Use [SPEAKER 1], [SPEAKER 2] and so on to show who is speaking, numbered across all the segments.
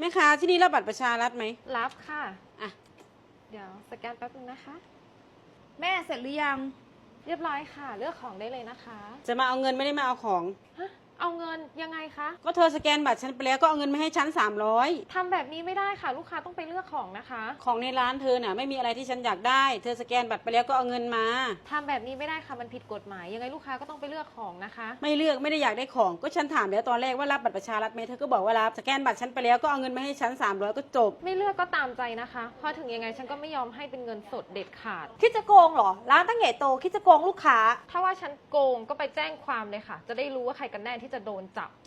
[SPEAKER 1] แม่ค้าที่นี่รับบัตรประชารัฐไหม
[SPEAKER 2] รับค่ะ
[SPEAKER 1] อ่ะ
[SPEAKER 2] เดี๋ยวสแกนแป๊บนึงนะคะ
[SPEAKER 3] แม่เสร็จหรือยัง
[SPEAKER 2] เรียบร้อยค่ะเลือกของได้เลยนะคะ
[SPEAKER 1] จะมาเอาเงินไม่ได้มาเอาของ
[SPEAKER 2] ฮะเอาเงินยังไงคะ
[SPEAKER 1] ก็เธอสแกนบัตรฉันไปแล้วก็เอาเงินมาให้ฉัน300
[SPEAKER 2] ทำแบบนี้ไม่ได้ค่ะ ลูกค้าต้องไปเลือกของนะคะ
[SPEAKER 1] ของในร้านเธอน่ะไม่มีอะไรที่ฉันอยากได้เธอสแกนบัตรไปแล้วก็เอาเงินมา
[SPEAKER 2] ทำแบบนี้ไม่ได้ค่ะมันผิดกฎหมายยังไงลูกค้าก็ต้องไปเลือกของนะคะ
[SPEAKER 1] ไม่เลือกไม่ได้อยากได้ของก็ฉันถามแล้วตอนแรกว่ารับบัตรประชารัฐไหมเธอก็บอกว่ารับสแกนบัตรฉันไปแล้วก็เอาเงินมาให้ฉัน300ก็จบ
[SPEAKER 2] ไม่เลือกก็ตามใจนะคะเพราะถึงยังไงฉันก็ไม่ยอมให้เป็นเงินสดเด็ดขาด
[SPEAKER 3] คิดจะโกงเหรอร้านตั้งใหญ่โตคิดจะโกงลูกค้า
[SPEAKER 2] ถ้าว่าฉันโกงก็ไปแจ้งความเลยค่ะ จะได้รู้ว่าใครกันแน่ที่จะโดนจับ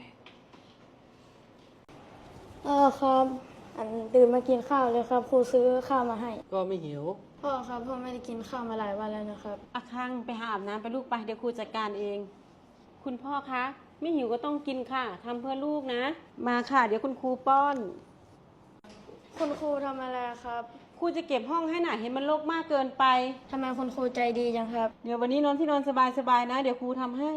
[SPEAKER 4] ครับตื่นมากินข้าวเลยครับครูซื้อข้าวมาให้
[SPEAKER 5] ก็ไม่หิว
[SPEAKER 4] พ่อครับพ่อไม่ได้กินข้าวมาหลายวันแล้วนะครับ
[SPEAKER 1] อาคังไปหาอาบน้ำไปลูกไปเดี๋ยวครูจัดการเอง คุณพ่อคะไม่หิวก็ต้องกินค่ะทำเพื่อลูกนะมาค่ะเดี๋ยวคุณครูป้อน
[SPEAKER 4] คุณครูทำอะไรครับ
[SPEAKER 1] ครูจะเก็บห้องให้หน่ะเห็นมันรกมากเกินไป
[SPEAKER 4] ทำไมคุณครูใจดีจังครับ
[SPEAKER 1] เดี๋ยววันนี้นอนที่นอนสบายๆนะเดี๋ยวครูทำให้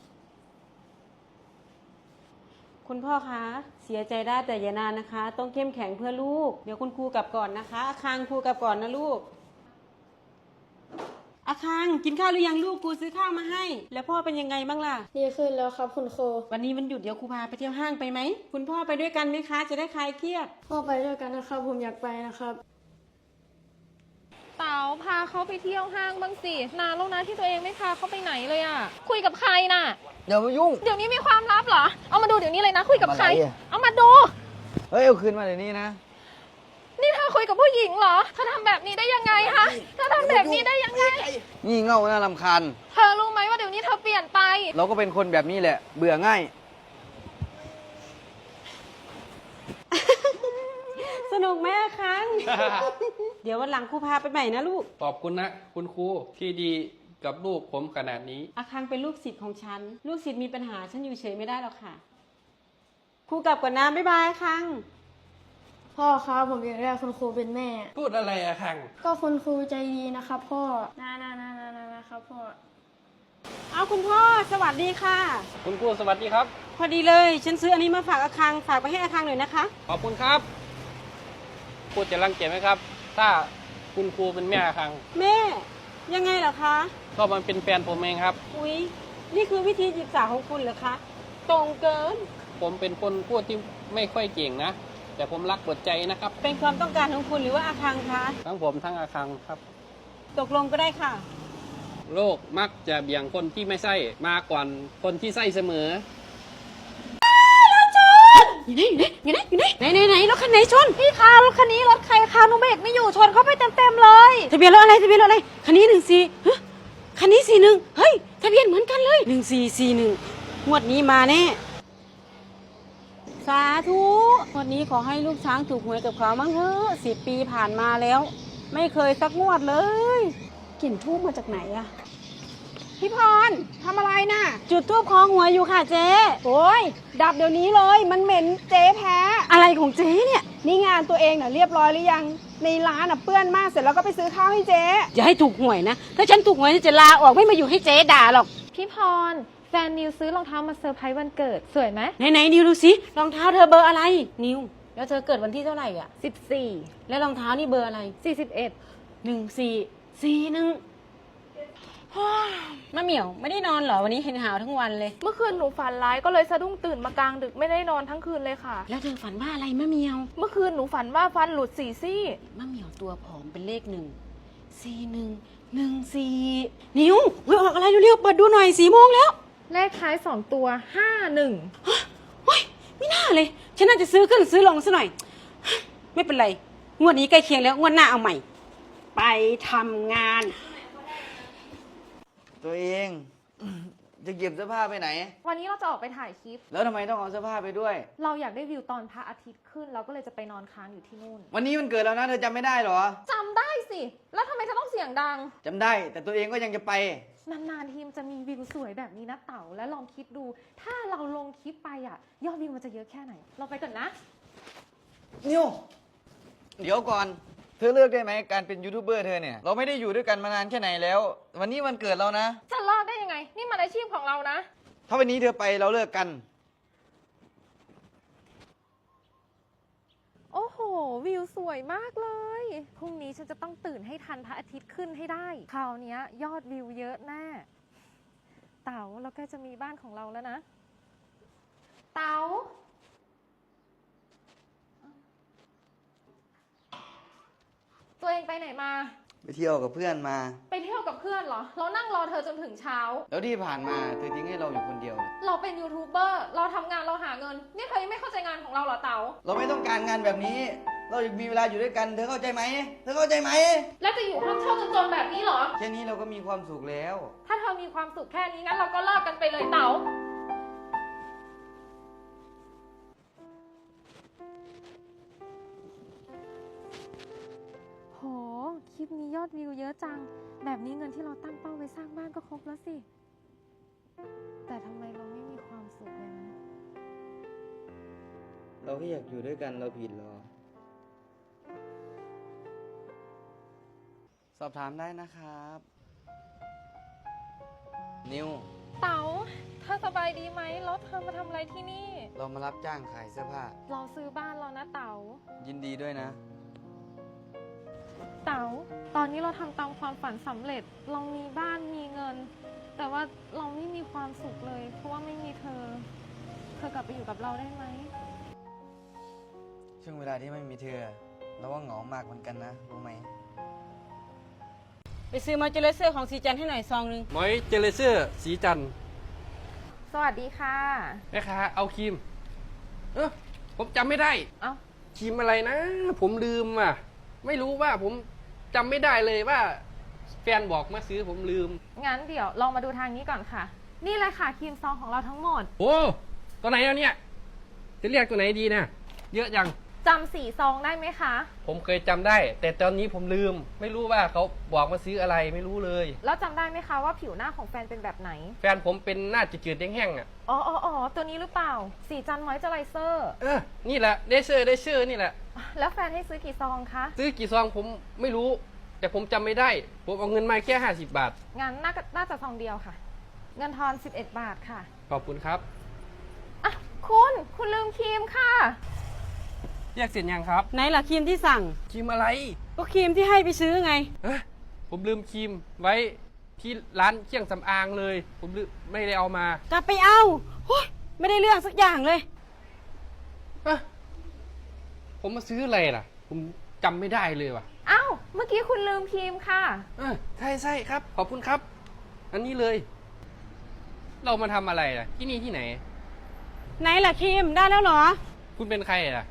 [SPEAKER 1] คุณพ่อคะเสียใจได้แต่อย่านานนะคะต้องเข้มแข็งเพื่อลูกเดี๋ยวคุณครูกลับก่อนนะคะอาคังครูกลับก่อนนะลูกอาคังกินข้าวหรือยังลูกครูซื้อข้าวมาให้แล้วพ่อเป็นยังไงบ้างล่ะ
[SPEAKER 4] ดีขึ้นแล้วครับคุณครู
[SPEAKER 1] วันนี้มันหยุดเดี๋ยวครูพาไปเที่ยวห้างไปไหมคุณพ่อไปด้วยกันไหมคะจะได้คลายเครียด
[SPEAKER 4] พ่อไปด้วยกันนะครับผมอยากไปนะครับ
[SPEAKER 2] เต๋าพาเขาไปเที่ยวห้างบ้างสินานแล้วนะที่ตัวเองไม่พาเขาไปไหนเลยอะคุยกับใครน่ะ
[SPEAKER 5] อย่ามายุ่ง
[SPEAKER 2] เดี๋ยวนี้มีความลับเหรอเอามาดูเดี๋ยวนี้เลยนะคุยกับใครเอามาดู
[SPEAKER 5] เฮ้ยเอาคืนมาเดี๋ยวนี้นะ
[SPEAKER 2] นี่เธอคุยกับผู้หญิงเหรอเธอทำแบบนี้ได้ยังไงฮะเธอทำแบบนี้ได้ยังไง
[SPEAKER 5] งี่เง่าน่ารำคาญ
[SPEAKER 2] เธอรู้ไหมว่าเดี๋ยวนี้เธอเปลี่ยนไป
[SPEAKER 5] เราก็เป็นคนแบบนี้แหละเบื่อง่าย
[SPEAKER 1] สนุกไหมอาคัง เดี๋ยววันหลังครูพาไปใหม่นะลูก
[SPEAKER 6] ขอบคุณนะคุณครูที่ดีกับลูกผมขนาดนี้
[SPEAKER 1] อาคังเป็นลูกศิษย์ของฉันลูกศิษย์มีปัญหาฉันอยู่เฉยไม่ได้หรอกค่ะครูกลับก่อนนะบ๊ายบายอาคัง
[SPEAKER 4] พ่อครับผมอยากได้คุณครูเป็นแม่
[SPEAKER 6] พูดอะไรอะคัง
[SPEAKER 4] ก็คุณครูใจดีนะครับพ่อนะครับพ่อ
[SPEAKER 1] เอาคุณพ่อสวัสดีค่ะ
[SPEAKER 6] คุณครูสวัสดีครับ
[SPEAKER 1] พอดีเลยฉันซื้ออันนี้มาฝากอาคังฝากไปให้อาคังหน่อยนะคะ
[SPEAKER 6] ขอบคุณครับพูดจะรังเกียจไหมครับถ้าคุณครูเป็นแม่คัง
[SPEAKER 1] แม่ยังไงเหรอคะ
[SPEAKER 6] ก็มันเป็นแฟนผมเองครับ
[SPEAKER 1] อุ๊ยนี่คือวิธีจีบสาวของคุณเหรอคะตรงเกิน
[SPEAKER 6] ผมเป็นคนพูดที่ไม่ค่อยเก่งนะแต่ผมรักหมดใจนะครับ
[SPEAKER 1] เป็นความต้องการของคุณหรือว่าอาคังคะ
[SPEAKER 6] ทั้งผมทั้งอาคังครับ
[SPEAKER 1] ตกลงก็ได้ค่ะ
[SPEAKER 6] โลกมักจะเบี่ยงคนที่ไม่ใช่มาก่อนคนที่ใช่เสมอ
[SPEAKER 1] อยู่ไหนรถคันไหนชน
[SPEAKER 3] พี่คะรถคันนี้รถใครคะหนูเบรกไม่อยู่ชนเข้าไปเต็มเลย
[SPEAKER 1] ทะเบียนรถอะไรคันนี้14คันนี้41เฮ้ยทะเบียนเหมือนกันเลย1441งวดนี้มาแน่สาธุงวดนี้ขอให้ลูกช้างถูกหวยกับเขามั้งเถอะ10 ปีผ่านมาแล้วไม่เคยสักงวดเลยกลิ่นทูบมาจากไหนอะพี่พรทำอะไรน่ะจุดทูบคอหวยอยู่ค่ะเจ๊
[SPEAKER 3] โอ้ยดับเดี๋ยวนี้เลยมันเหม็นเจ๊แพ้
[SPEAKER 1] อะไรของเจ๊เนี่ย
[SPEAKER 3] นี่งานตัวเองน่ะเรียบร้อยหรือยังในร้านน่ะเปื้อนมากเสร็จแล้วก็ไปซื้อข้าวให้เจ๊
[SPEAKER 1] อย่าให้ถูกหวยนะถ้าฉันถูกหวยจะลาออกไม่มาอยู่ให้เจ๊ด่าหรอก
[SPEAKER 2] พี่พรแฟนนิวซื้อรองเท้ามาเซอร์ไพรส์วันเกิดสวยไหม
[SPEAKER 1] ไหนนิวดูสิรองเท้าเธอเบอร์อะไรนิวแล้วเธอเกิดวันที่เท่าไหร่อ่ะ
[SPEAKER 2] 14
[SPEAKER 1] แล้วรองเท้านี่เบอร์อะไร1441มะเหมี่ยวไม่ได้นอนเหรอวันนี้เห็นหาวทั้งวันเลย
[SPEAKER 3] เมื่อคืนหนูฝันร้ายก็เลยสะดุ้งตื่นมากลางดึกไม่ได้นอนทั้งคืนเลยค่ะ
[SPEAKER 1] แล้วเธอฝันว่าอะไรมะเหมี่ยว
[SPEAKER 3] เมื่อคืนหนูฝันว่าฟันหลุด4 ซี่
[SPEAKER 1] มะเหมี่ยวตัวผอมเป็นเลข14114นิวออกอะไรเร็วๆเปิดดูหน่อย4 โมงแล้ว
[SPEAKER 2] เลขท้าย2 ตัว51
[SPEAKER 1] โอ๊ยไม่น่าเลยฉันน่าจะซื้อขึ้นซื้อลงซะหน่อยไม่เป็นไรงวดนี้ใกล้เคียงแล้วงวดหน้าเอาใหม่ไปทำงาน
[SPEAKER 5] ตัวเองจะเก็บเสื้อผ้าไปไหน
[SPEAKER 2] วันนี้เราจะออกไปถ่ายคลิป
[SPEAKER 5] แล้วทำไมต้องเอาเสื้อผ้าไปด้วย
[SPEAKER 2] เราอยากได้วิวตอนพระอาทิตย์ขึ้นเราก็เลยจะไปนอนค้างอยู่ที่นู่น
[SPEAKER 5] วันนี้มันเกิดแล้วนะเธอจำไม่ได้หรอ
[SPEAKER 2] จำได้สิแล้วทำไมเธอต้องเสียงดัง
[SPEAKER 5] จำได้แต่ตัวเองก็ยังจะไป
[SPEAKER 2] นานๆทีมจะมีวิวสวยแบบนี้นะเต๋าแล้วลองคิดดูถ้าเราลงคลิปไปอ่ะยอดวิวมันจะเยอะแค่ไหนเราไปก่อนนะ
[SPEAKER 5] นิวเดี๋ยวก่อนเธอเลือกได้ไหมการเป็นยูทูบเบอร์เธอเนี่ยเราไม่ได้อยู่ด้วยกันมานานแค่ไหนแล้ววันนี้วันเกิดเรานะ
[SPEAKER 2] จะเลิกได้ยังไงนี่มันอาชีพของเรานะ
[SPEAKER 5] ถ้าวันนี้เธอไปเราเลิกกัน
[SPEAKER 2] วิวสวยมากเลย พรุ่งนี้ฉันจะต้องตื่นให้ทันพระอาทิตย์ขึ้นให้ได้ คราวเนี้ยยอดวิวเยอะแน่ เต๋าเราใกล้จะมีบ้านของเราแล้วนะ เต๋า ตัวเองไปไหนมา
[SPEAKER 5] ไปเที่ยวกับเพื่อนมา
[SPEAKER 2] ไปเที่ยวกับเพื่อนเหรอ เรานั่งรอเธอจนถึงเช้า
[SPEAKER 5] แล้วที่ผ่านมาเธอทิ้งให้เราอยู่คนเดียว
[SPEAKER 2] เราเป็นยูทูบเบอร์ เราทำงานเราหาเงิน นี่เธอยังไม่เข้าใจงานของเราเหรอเต๋า
[SPEAKER 5] เราไม่ต้องการงานแบบนี้ เราอยากมีเวลาอยู่ด้วยกัน เธอเข้าใจไหม เธอเข้าใจไหม
[SPEAKER 2] แล้วจะอยู่ห้องเช่าจนๆแบบนี้เหรอ
[SPEAKER 5] แค่นี้เราก็มีความสุขแล้ว
[SPEAKER 2] ถ้าเธอมีความสุขแค่นี้งั้นเราก็เลิกกันไปเลยเต๋า โห คลิปนี้ยอดวิวเยอะจัง แบบนี้เงินที่เราตั้งเป้าไว้สร้างบ้านก็ครบแล้วสิ แต่ทำไมเราไม่มีความสุขเลยนะ
[SPEAKER 5] เราแค่อยากอยู่ด้วยกันเราผิดหรอ สอบถามได้นะครับ นิว
[SPEAKER 2] เต๋าเธอสบายดีไหมแล้วเธอมาทำอะไรที่นี่
[SPEAKER 5] เรามารับจ้างขายเสื้อผ้า
[SPEAKER 2] เราซื้อบ้านเรานะเต๋า
[SPEAKER 5] ยินดีด้วยนะ
[SPEAKER 2] เต๋า ตอนนี้เราทำตามความฝันสำเร็จ เรามีบ้านมีเงิน แต่ว่าเราไม่มีความสุขเลย เพราะว่าไม่มีเธอ เธอกลับไปอยู่กับเราได้ไหม
[SPEAKER 5] ช่วงเวลาที่ไม่มีเธอ เราว่าเหงามากเหมือนกันนะ รู้ไหม
[SPEAKER 1] ไปซื้อมอยเจอร์เซอร์ของสีจันให้หน่อยซองนึง
[SPEAKER 6] มอยเจลเซอร์สีจันทร์
[SPEAKER 2] สวัสดีค่ะ
[SPEAKER 6] แม่ค้าเอาครีม ผมจำไม่ได้
[SPEAKER 2] เอ้า
[SPEAKER 6] ครีมอะไรนะ ผมลืมอ่ะ ไม่รู้ว่าผมจำไม่ได้เลยว่าแฟนบอกมาซื้อผมลืม
[SPEAKER 2] งั้นเดี๋ยวลองมาดูทางนี้ก่อนค่ะ นี่เลยค่ะครีมซองของเราทั้งหมด
[SPEAKER 6] โอ้ ตัวไหนแล้วเนี่ย จะเรียกตัวไหนดีนะเยอะจัง
[SPEAKER 2] จำสีซองได้ไหมคะ
[SPEAKER 6] ผมเคยจำได้ แต่ตอนนี้ผมลืม ไม่รู้ว่าเขาบอกมาซื้ออะไรไม่รู้เลย
[SPEAKER 2] แล้วจำได้ไหมคะว่าผิวหน้าของแฟนเป็นแบบไหน
[SPEAKER 6] แฟนผมเป็นหน้าจืดๆแห้งๆอ่ะ
[SPEAKER 2] อ๋อ ตัวนี้หรือเปล่า สีจันมอยเจอไรเซอร์
[SPEAKER 6] นี่แหละได้เชื่อนี่แหละ
[SPEAKER 2] แล้วแฟนให้ซื้อกี่ซองคะ
[SPEAKER 6] ซื้อกี่ซองผมไม่รู้ แต่ผมจำไม่ได้ ผมเอาเงินมาแค่50 บาท
[SPEAKER 2] งั้นน่าจะซองเดียวค่ะ เงินทอน 11 บาทค่ะ
[SPEAKER 6] ขอบคุณครับ
[SPEAKER 2] อ่ะคุณลืมครีมค่ะ
[SPEAKER 6] เรียกเสร็จยังครับ
[SPEAKER 1] ไหนล่ะครีมที่สั่ง
[SPEAKER 6] ครีมอะไร
[SPEAKER 1] ก็ครีมที่ให้ไปซื้อไง
[SPEAKER 6] ผมลืมครีมไว้ที่ร้านเครื่องสำอางเลย ผมลืมไม่ได้เอามาก
[SPEAKER 1] ลับไปเอาโอ๊ยไม่ได้เรื่องสักอย่างเลย
[SPEAKER 6] ผมมาซื้ออะไรล่ะ ผมจำไม่ได้เลยว่ะ
[SPEAKER 2] อ้าว เมื่อกี้คุณลืมครีมค่ะ
[SPEAKER 6] ใช่ครับ ขอบคุณครับ อันนี้เลย เรามาทำอะไรล่ะ ที่นี่ที่ไหน
[SPEAKER 1] ไหนล่ะครีมได้แล้วเหรอ
[SPEAKER 6] คุณเป็นใครล่ะ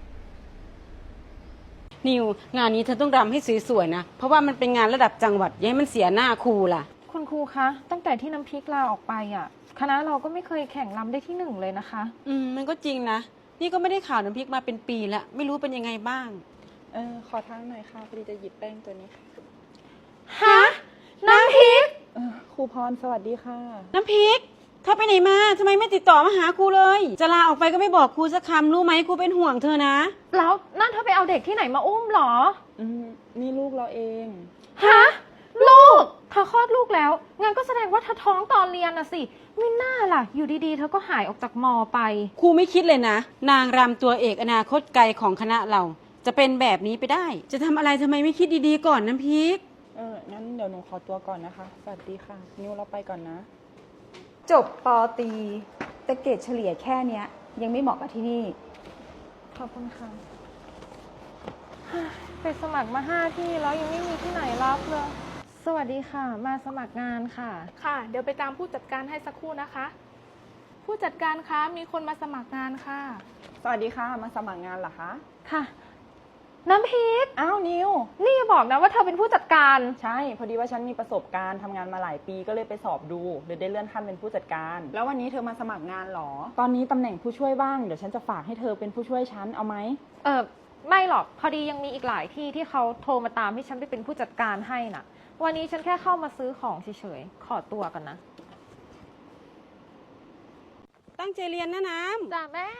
[SPEAKER 1] นิวงานนี้เธอต้องรำให้สวยๆนะ เพราะว่ามันเป็นงานระดับจังหวัดอย่าให้มันเสียหน้าครูล่ะ
[SPEAKER 2] คุณครูคะ ตั้งแต่ที่น้ำพริกลาออกไปอ่ะ คณะเราก็ไม่เคยแข่งรำได้ที่ 1เลยนะคะ
[SPEAKER 1] มันก็จริงนะ นี่ก็ไม่ได้ข่าวน้ำพริกมาเป็นปีแล้ว ไม่รู้เป็นยังไงบ้าง
[SPEAKER 3] ขอทางหน่อยค่ะพอดีจะหยิบแป้งตัวนี้
[SPEAKER 2] ฮะ น้ำพริก
[SPEAKER 3] ครูพรสวัสดีค่ะ
[SPEAKER 1] น้ำพริกเธอไปไหนมาทำไมไม่ติดต่อมาหาครูเลย จะลาออกไปก็ไม่บอกครูสักคำรู้ไหมครูเป็นห่วงเธอนะ
[SPEAKER 2] แล้วนั่นเธอไปเอาเด็กที่ไหนมาอุ้มเหรอ
[SPEAKER 3] นี่ลูกเราเอง
[SPEAKER 2] ฮะ ลูก เธอคลอดลูกแล้ว งั้นก็แสดงว่าเธอท้องตอนเรียนน่ะสิ ไม่น่าล่ะ อยู่ดีๆ เธอก็หายออกจากมอไป
[SPEAKER 1] ครูไม่คิดเลยนะ นางรำตัวเอกอนาคตไกลของคณะเรา จะเป็นแบบนี้ไปได้ จะทำอะไรทำไมไม่คิดดีๆก่อนน้ำพริก
[SPEAKER 3] งั้นเดี๋ยวหนูขอตัวก่อนนะคะ สวัสดีค่ะ นิวเราไปก่อนนะ
[SPEAKER 7] จบปอตรีแต่เกรดเฉลี่ยแค่เนี้ย ยังไม่เหมาะกับที่นี่
[SPEAKER 2] ขอบคุณค่ะ ไปสมัครมา5 ที่แล้วยังไม่มีที่ไหนรับเลย สวัสดีค่ะ มาสมัครงานค่ะ
[SPEAKER 8] ค่ะ เดี๋ยวไปตามผู้จัดการให้สักครู่นะคะ ผู้จัดการคะมีคนมาสมัครงานค่ะ
[SPEAKER 3] สวัสดีค่ะ มาสมัครงานเหรอคะ
[SPEAKER 2] ค่ะ น้ำพริก
[SPEAKER 3] อ้าวนิว
[SPEAKER 2] นี่อย่าบอกนะว่าเธอเป็นผู้จัดการ
[SPEAKER 3] ใช่ พอดีว่าฉันมีประสบการณ์ทำงานมาหลายปีก็เลยไปสอบดูเลยได้เลื่อนขั้นเป็นผู้จัดการ แล้ววันนี้เธอมาสมัครงานเหรอ ตอนนี้ตำแหน่งผู้ช่วยว่าง เดี๋ยวฉันจะฝากให้เธอเป็นผู้ช่วยฉัน เอาไหม
[SPEAKER 2] ไม่หรอก พอดียังมีอีกหลายที่ที่เขาโทรมาตามให้ฉันไปเป็นผู้จัดการให้น่ะ วันนี้ฉันแค่เข้ามาซื้อของเฉยๆ ขอตัวกันนะ
[SPEAKER 1] ตั้งใจเรียนนะน้ำ
[SPEAKER 2] จ้าแม่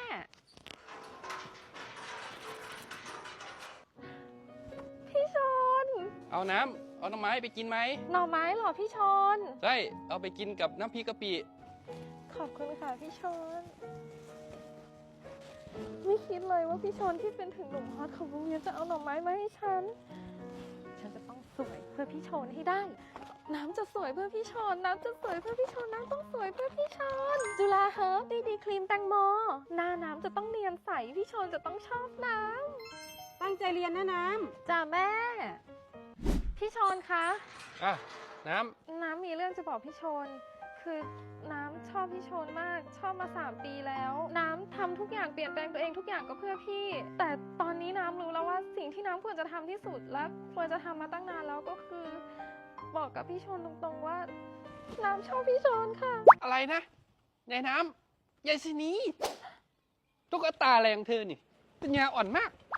[SPEAKER 2] พี่ชน
[SPEAKER 6] เอาน้ำ เอาหน่อไม้ไปกินไหม
[SPEAKER 2] หน่อไม้เหรอพี่ชน
[SPEAKER 6] ใช่ เอาไปกินกับน้ำพริกกะปิ
[SPEAKER 2] ขอบคุณค่ะพี่ชนไม่คิดเลยว่าพี่ชนที่เป็นถึงหนุ่มฮอตของโรงเรียนจะเอาหน่อไม้มาให้ฉัน ฉันจะต้องสวยเพื่อพี่ชนให้ได้ น้ำจะสวยเพื่อพี่ชน น้ำจะสวยเพื่อพี่ชน น้ำต้องสวยเพื่อพี่ชน จุฬาเฮิร์บดีครีมแตงโม หน้าน้ำจะต้องเนียนใส พี่ชนจะต้องชอบน้ำ
[SPEAKER 1] ตั้งใจเรียนนะน้
[SPEAKER 2] จ้าแม่ พี่ชนคะ
[SPEAKER 6] อ่ะ น้
[SPEAKER 2] น้ำมีเรื่องจะบอกพี่ชน คือน้ำชอบพี่ชนมาก ชอบมา3 ปีแล้ว น้ำทำทุกอย่างเปลี่ยนแปลงตัวเองทุกอย่างก็เพื่อพี่ แต่ตอนนี้น้ำรู้แล้วว่าสิ่งที่น้ำควรจะทำที่สุดและควรจะทำมาตั้งนานแล้วก็คือ บอกกับพี่ชนตรงๆว่า น้ำชอบพี่ชนค่ะ
[SPEAKER 6] ำอะไรนะยายน้ำยายสินีตุ๊กตาอะไรของเธอนี่ปัญญาอ่อนมาก